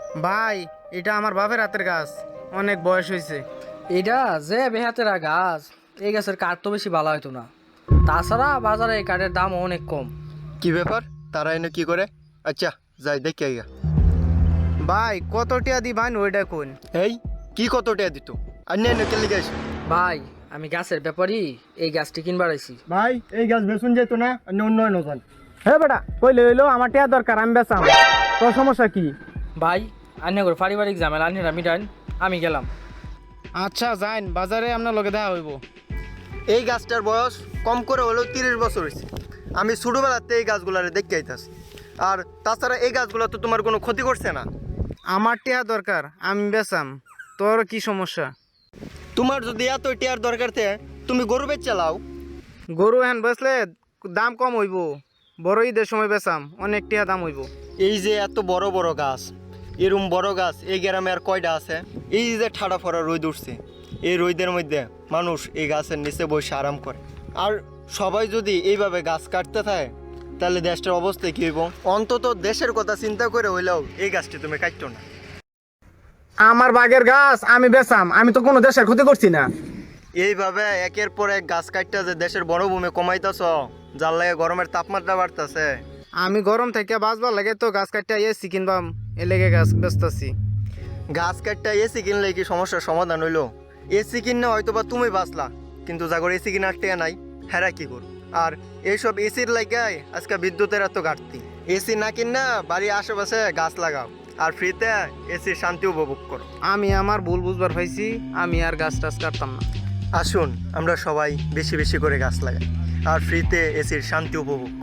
ভাই, এটা আমার বাপের হাতের গাছ, অনেক বয়স হয়েছে। এটা যে বেহাতেরা গাছ, এই গাছের কাঠ তো বেশি ভালো হতো না। তাছাড়া বাজারে এই কাঠের দাম অনেক কম। কি ব্যাপার, তারা এনে কি করে? আচ্ছা, যাই দেখি আইগা। ভাই, কত টিয়া দি ভাই ওইটা কোন? এই কি কত টাকা দিত? আর এনে কে লিখে আসি? ভাই, আমি গাছের ব্যাপারই এই গাছটি কিনবার আইছি। ভাই, এই গাছ বেসুন যেত না, অন্য উন্নয়ন হতান। হ্যাঁ বেটা, কইলে হইলো আমার টিয়া দরকার, আমি বেচাম। তোর সমস্যা কি? ভাই, আন্যা করে পারিবারিক ঝামেলা আন্যরা মিটান, আমি গেলাম। আচ্ছা যাইন, বাজারে আপনার লগে দেখা হইব। এই গাছটার বয়স কম করে হলেও 30 বছর হয়েছে। আমি ছোটোবেলাতে এই গাছগুলারে দেখতে আইতাছি। আর তাছাড়া এই গাছগুলো তো তোমার কোনো ক্ষতি করছে না। আমার টিয়া দরকার, আমি বেচাম। তোর কি সমস্যা? তোমার যদি এত টিয়ার দরকার থাকে, তুমি গরু বেচ চালাও। গরু হ্যান বেচলে দাম কম হইব। বড় ঈদের সময় বেচাম, অনেক টিয়া দাম হইব। এই যে এত বড় বড় গাছ, এরম বড় গাছ এই গ্রামে আর কয়টা আছে? এই যে ঠাডা ফড়া রোদ উঠছে, এই রোদের মধ্যে মানুষ এই গাছের নিচে বসে আরাম করে। আর সবাই যদি এইভাবে গাছ কাটতে থাকে, তাহলে দেশটার অবস্থা কী হইব? অন্তত দেশের কথা চিন্তা করে হইলেও এই গাছটি তুমি কাটতো না। আমার বাগের গাছ আমি বেচাম, আমি তো কোনো দেশের ক্ষতি করছি না। এইভাবে একের পর এক গাছ কাটতে যে দেশের বনভূমি কমাইতেছ, যার লাগে গরমের তাপমাত্রা বাড়তেছে। আমি গরম থেকে বাঁচবার লাগে তো গাছ কাটতে এসি কিনবাম, এ লেগে গাছ বেচতাছি। গাছ কাটতে এসি কিনলে কি সমস্যার সমাধান হইলো? এসি কিনলে হয়তো বা তুমি বাঁচলা, কিন্তু যাগর এসি কিনার টেয়া নাই, হেরা কি করো? আর এইসব এসির লাগাই আজকে বিদ্যুতের এত ঘাটতি। এসি না কিনা বাড়ির আশেপাশে গাছ লাগাও, আর ফ্রিতে এসির শান্তি উপভোগ করো। আমি আমার ভুল বুঝবার পাইছি, আমি আর গাছ টাছ কাটতাম না। আসুন আমরা সবাই বেশি বেশি করে গাছ লাগাই, আর ফ্রিতে এসির শান্তি উপভোগ